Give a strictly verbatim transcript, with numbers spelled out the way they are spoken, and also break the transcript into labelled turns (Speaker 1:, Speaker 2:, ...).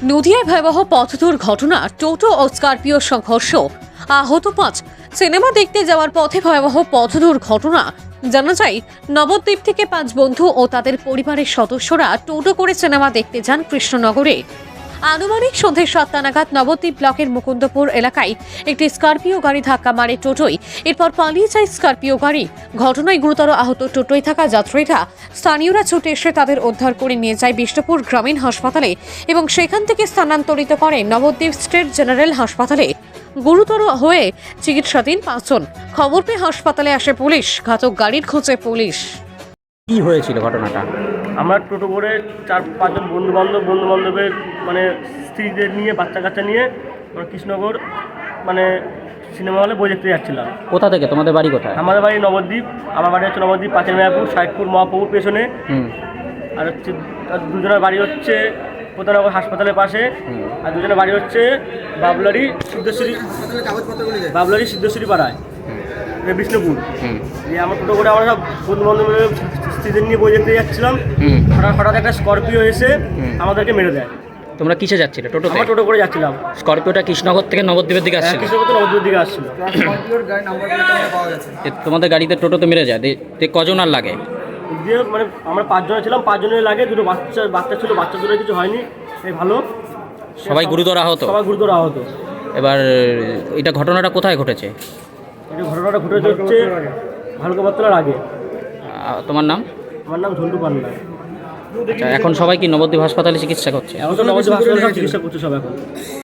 Speaker 1: নদিয়ায় ভয়াবহ পথ দুর্ঘটনা, টোটো ও স্করপিও সংঘর্ষ, আহত পাঁচ। সিনেমা দেখতে যাওয়ার পথে ভয়াবহ পথ দুর্ঘটনা। জানা যায়, নবদ্বীপ থেকে পাঁচ বন্ধু ও তাদের পরিবারের সদস্যরা টোটো করে সিনেমা দেখতে যান কৃষ্ণনগরে। আনুমানিক সন্ধ্যে সাতটা নাগাদ নবদ্বীপ ব্লকের মুকুন্দপুর এলাকায় একটি স্করপিও গাড়ি ধাক্কা মারে টোটোয়। এরপর পালিয়ে যায় স্করপিও গাড়ি। ঘটনায় গুরুতর আহত টোটোয় থাকা যাত্রীরা স্থানীয়রা ছুটে এসে তাদের উদ্ধার করে নিয়ে যায় বিষ্ণুপুর গ্রামীণ হাসপাতালে এবং সেখান থেকে স্থানান্তরিত করে নবদ্বীপ স্টেট জেনারেল হাসপাতালে। গুরুতর হয়ে চিকিৎসাধীন পাঁচজন। খবর পেয়ে হাসপাতালে আসে পুলিশ। ঘাতক গাড়ির খোঁজে পুলিশ।
Speaker 2: কি হয়েছিল ঘটনাটা?
Speaker 3: আমরা টোটো করে চার পাঁচজন বন্ধু বান্ধব বন্ধু বান্ধবের মানে স্ত্রীদের নিয়ে বাচ্চা কাচ্চা নিয়ে আমরা কৃষ্ণনগর মানে সিনেমা হলে বই দেখতে যাচ্ছিলাম।
Speaker 2: কোথা থেকে? তোমাদের বাড়ি কোথায়?
Speaker 3: আমাদের বাড়ি নবদ্বীপ। আমার বাড়ি হচ্ছে নবদ্বীপ পাঁচের মেয়াপুর সাইদপুর মহাপ্রভুর পেছনে।
Speaker 2: হুম
Speaker 3: আর হচ্ছে আর দুজনের বাড়ি হচ্ছে প্রতারনগর হাসপাতালের পাশে। আর দুজনের বাড়ি হচ্ছে বাবলারি সিদ্ধেশ্বরী বাবলারি সিদ্ধেশ্বরী পাড়ায় বিষ্ণুপুর।
Speaker 2: হুম
Speaker 3: দিয়ে আমরা টোটো করে আমরা সব বন্ধু বান্ধব স্ত্রীদের নিয়ে বই দেখতে যাচ্ছিলাম।
Speaker 2: হুম
Speaker 3: হঠাৎ হঠাৎ একটা স্করপিও এসে
Speaker 2: হুম।
Speaker 3: আমাদেরকে মেরে দেয়।
Speaker 2: তোমরা কিসে যাচ্ছিলে? টোটোতে?
Speaker 3: আমরা টোটো করে যাচ্ছিলাম।
Speaker 2: স্করপিওটা কৃষ্ণনগর থেকে নবদ্বীপের দিকে আসছিল?
Speaker 3: কৃষ্ণনগর থেকে নবদ্বীপের দিকে আসছিল।
Speaker 2: এ তোমাদের গাড়িতে টোটোতে মেরে যায়? দে- তে কজন আর লাগে?
Speaker 3: দিয়ে মানে আমরা পাঁচজনে ছিলাম, পাঁচজনের লাগে দুটো বাচ্চা বাচ্চা ছিল, বাচ্চা দুটো কিছু হয়নি, এই ভালো।
Speaker 2: সবাই গুরুতর আহত?
Speaker 3: সবাই গুরুতর আহত।
Speaker 2: এবার এটা ঘটনাটা কোথায় ঘটেছে?
Speaker 3: এটা ঘটনাটা ঘটেছে হচ্ছে ভালুকাপাতলার আগে।
Speaker 2: আহ, তোমার নাম?
Speaker 3: আমার নাম ঝন্টু পান্ডা।
Speaker 2: আচ্ছা, এখন সবাই কি নবদ্বীপ হাসপাতালে চিকিৎসা করছে?
Speaker 3: এখন তো নবদ্বীপ হাসপাতালে সব চিকিৎসা করছে সব এখন।